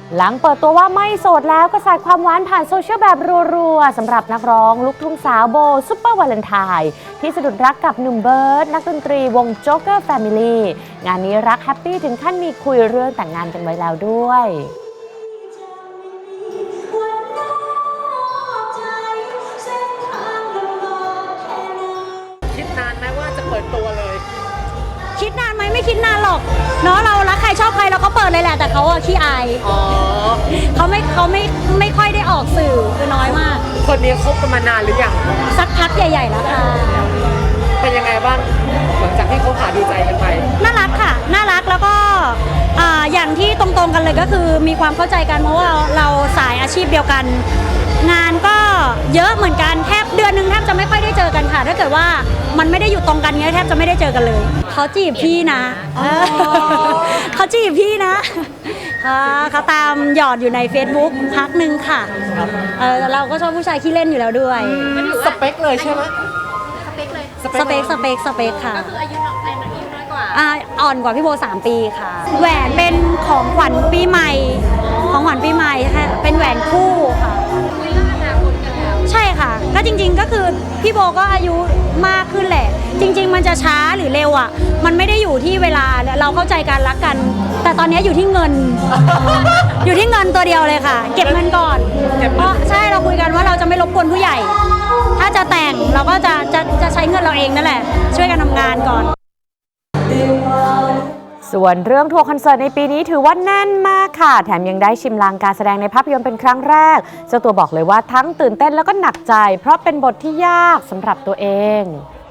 หลังเปิดตัวว่าไม่โสดแล้วก็สาดความหวานผ่านโซเชียลแบบรัวๆสำหรับนักร้องลูกทุ่งสาวโบซุปเปอร์วาเลนไทน์ที่สะดุดรักกับหนุ่มเบิร์ดนักดนตรีวงโจ๊กเกอร์แฟมิลี่งานนี้รักแฮปปี้ถึงขั้นมีคุยเรื่องแต่งงานกันไว้แล้วด้วยคิดนานไหมว่าจะเปิดตัวเลยคิดนานไหมไม่คิดนานหรอกเนาะเรารักใครชอบใครเราก็เปิดเลยแหละแต่เขาอะขี้อายเขาไม่ค่อยได้ออกสื่อคือน้อยมากคนนี้คบกันมานานหรือยังสักพักใหญ่ๆแล้วค่ะเป็นยังไงบ้างหลังจากที่เขาหาดูใจกันไปน่ารักค่ะน่ารักแล้วก็อย่างที่ตรงๆกันเลยก็คือมีความเข้าใจกันเพราะว่าเราสายอาชีพเดียวกันงานก็เยอะเหมือนกันแทบเดือนนึงแทบจะไม่ค่อยได้เจอกันค่ะถ้าเกิดว่ามันไม่ได้อยู่ตรงกันเงี้ยแทบจะไม่ได้เจอกันเลยเขาจีบพี่นะเขาจีบพี่นะเขาตามหยอดอยู่ใน Facebook พักนึงค่ะเราก็ชอบผู้ชายขี้เล่นอยู่แล้วด้วยสเปคเลยใช่ไหมสเปคค่ะก็คืออายุน้อยกว่าอ่อนกว่าพี่โบ3 ปีค่ะแหวนเป็นของขวัญปีใหม่ค่ะเป็นแหวนคู่ค่ะใช่ค่ะก็จริงๆก็คือพี่โบก็อายุมากขึ้นแหละจริงๆมันจะช้าหรือเร็วอ่ะมันไม่ได้อยู่ที่เวลาเราเข้าใจกันรักกันแต่ตอนนี้อยู่ที่เงิน อยู่ที่เงินตัวเดียวเลยค่ะเก็บเงินก่อนเพราะใช่เราคุยกันว่าเราจะไม่รบกวนผู้ใหญ่ถ้าจะแต่งเราก็จะใช้เงินเราเองนั่นแหละช่วยกันทำงานก่อนส่วนเรื่องทัวร์คอนเสิร์ตในปีนี้ถือว่าแน่นมากค่ะแถมยังได้ชิมลางการแสดงในภาพยนตร์เป็นครั้งแรกเจ้าตัวบอกเลยว่าทั้งตื่นเต้นแล้วก็หนักใจเพราะเป็นบทที่ยากสำหรับตัวเอง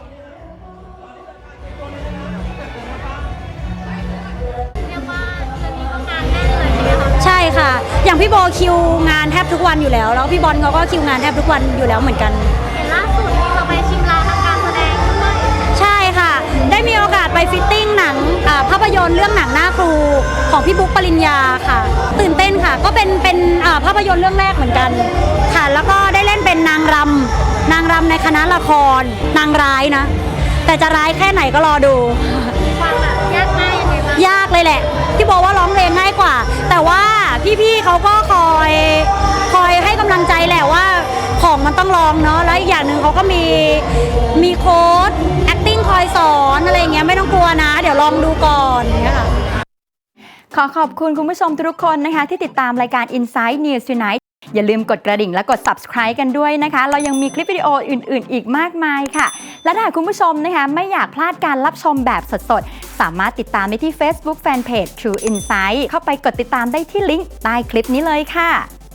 ใช่ค่ะอย่างพี่โบคิวงานแทบทุกวันอยู่แล้วแล้วพี่บอลเขาก็คิวงานแทบทุกวันอยู่แล้วเหมือนกันเห็นล่าสุดเราไปชิมลางทางการแสดงด้วยใช่ค่ะได้มีโอกาสไปฟิตติ้งหนังภาพยนตร์เรื่องหนังหน้าครูของพี่บุ๊กปริญญาค่ะตื่นเต้นค่ะก็เป็นภาพยนตร์เรื่องแรกเหมือนกันค่ะแล้วก็ได้เล่นเป็นนางรำในคณะละครนางร้ายนะแต่จะร้ายแค่ไหนก็รอดูความแบบยากง่ายยังไงบ้างยากเลยแหละที่บอกว่าร้องเพลงง่ายกว่าแต่ว่าพี่ๆเขาก็คอยให้กำลังใจแหละว่าของมันต้องลองเนาะแล้วอีกอย่างหนึ่งเขาก็มีโค้ช acting คอยสอนอะไรอย่างเงี้ยไม่ต้องกลัวนะเดี๋ยวลองดูก่อนอย่างเงี้ยค่ะขอขอบคุณคุณผู้ชมทุกคนนะคะที่ติดตามรายการ Inside News Tonight อย่าลืมกดกระดิ่งและกด subscribe กันด้วยนะคะเรายังมีคลิปวิดีโออื่นๆอีกมากมายค่ะและถ้าคุณผู้ชมนะคะไม่อยากพลาดการรับชมแบบสดๆสามารถติดตามได้ที่ Facebook Fanpage True Insight เข้าไปกดติดตามได้ที่ลิงก์ใต้คลิปนี้เลยค่ะ